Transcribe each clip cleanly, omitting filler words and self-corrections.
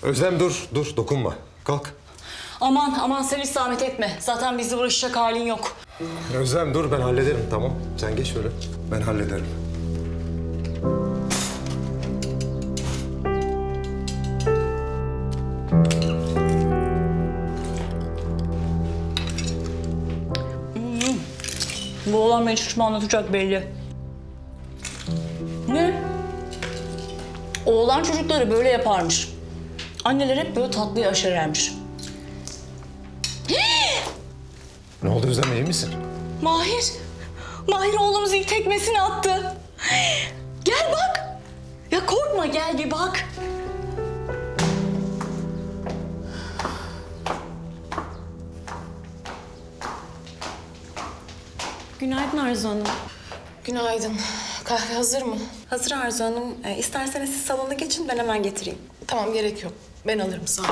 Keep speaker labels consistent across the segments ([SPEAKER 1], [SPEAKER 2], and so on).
[SPEAKER 1] Özlem dur dokunma. Kalk.
[SPEAKER 2] Aman sen hiç zahmet etme. Zaten bizi uğraşacak halin yok.
[SPEAKER 1] Özlem dur ben hallederim tamam. Sen geç şöyle. Ben hallederim.
[SPEAKER 2] Bu oğlan beni çocukma anlatacak belli. Ne? Oğlan çocukları böyle yaparmış. Anneler hep böyle tatlıyı aşerermiş.
[SPEAKER 1] Ne oldu Özlem iyi misin?
[SPEAKER 2] Mahir oğlumuz ilk tekmesini attı. Gel bak. Ya korkma gel bir bak.
[SPEAKER 3] Günaydın Arzu Hanım.
[SPEAKER 4] Günaydın. Kahve hazır mı?
[SPEAKER 3] Hazır Arzu Hanım. İsterseniz siz salona geçin, ben hemen getireyim.
[SPEAKER 4] Tamam, gerek yok. Ben alırım, sağ ol.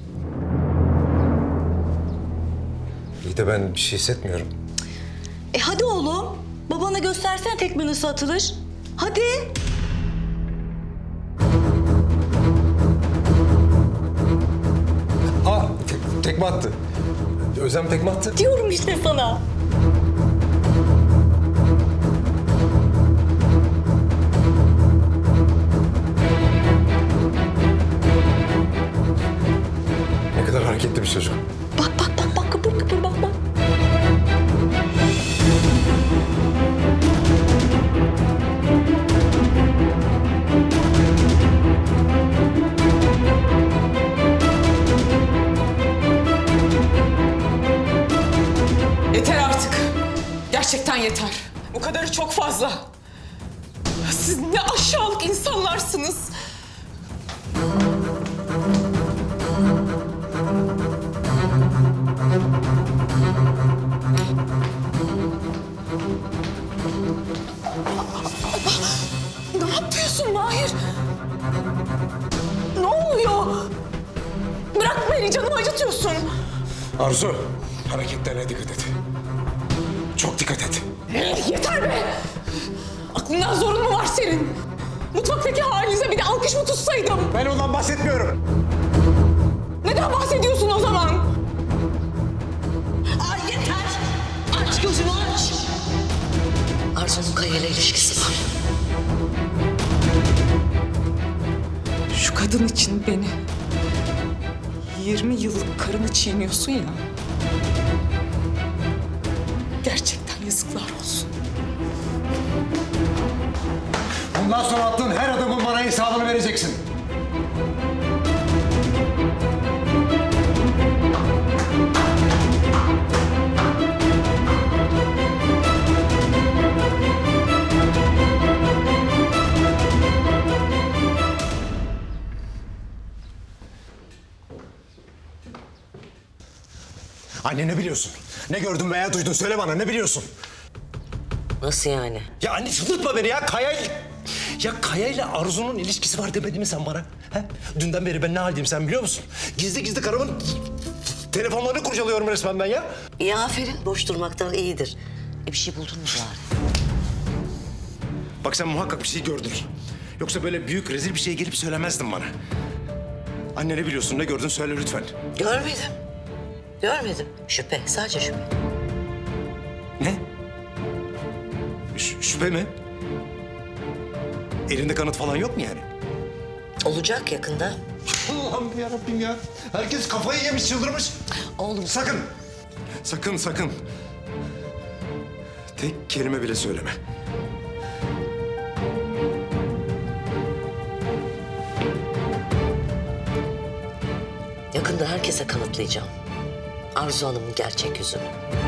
[SPEAKER 1] İyi de ben bir şey hissetmiyorum.
[SPEAKER 2] Hadi oğlum. Babana göstersene tekme nasıl atılır. Hadi.
[SPEAKER 1] Aa tekme attı. Özlem tekme attı.
[SPEAKER 2] Diyorum işte sana.
[SPEAKER 1] Ne kadar hareketli bir çocuk.
[SPEAKER 2] Bak kıpır bak.
[SPEAKER 4] Yeter artık. Gerçekten yeter. Bu kadarı çok fazla. Siz ne aşağılık insanlarsınız. Ne yapıyorsun Mahir? Ne oluyor? Bırak beni, canımı acıtıyorsun.
[SPEAKER 1] Arzu hareketlerine dikkat et. Çok dikkat et.
[SPEAKER 4] Yeter be! Aklından zorun mu var senin? Mutfaktaki halinize bir de alkış mı tutsaydım?
[SPEAKER 1] Ben ondan bahsetmiyorum.
[SPEAKER 4] Neden bahsediyorsun o zaman?
[SPEAKER 2] Ay yeter. Aç gözünü aç. Arzu'nun Kaya ile ilişkisi var.
[SPEAKER 4] Şu kadın için beni 20 yıllık karını çiğniyorsun ya. Gerçekten yazıklar olsun.
[SPEAKER 1] Bundan sonra attığın her adımın bana hesabını vereceksin. Anne ne biliyorsun? Ne gördün veya duydun söyle bana ne biliyorsun?
[SPEAKER 5] Nasıl yani?
[SPEAKER 1] Ya anne çıldırtma beni ya Kaya ile Arzu'nun ilişkisi var demedin mi sen bana? He? Dünden beri ben ne haldeyim sen biliyor musun? Gizli karımın telefonlarını kurcalıyorum resmen ben ya.
[SPEAKER 5] İyi aferin. Boş durmaktan iyidir. Bir şey buldun mu bari?
[SPEAKER 1] Bak sen muhakkak bir şey gördün. Yoksa böyle büyük rezil bir şey gelip söylemezdin bana. Anne ne biliyorsun ne gördün söyle lütfen.
[SPEAKER 5] Görmedim. Şüphe. Sadece şüphe.
[SPEAKER 1] Ne? Şüphe mi? Elinde kanıt falan yok mu yani?
[SPEAKER 5] Olacak yakında.
[SPEAKER 1] Allah'ım yarabbim ya. Herkes kafayı yemiş çıldırmış.
[SPEAKER 5] Oğlum.
[SPEAKER 1] Sakın. Tek kelime bile söyleme.
[SPEAKER 5] Yakında herkese kanıtlayacağım. Arzu Hanım'ın gerçek yüzünü.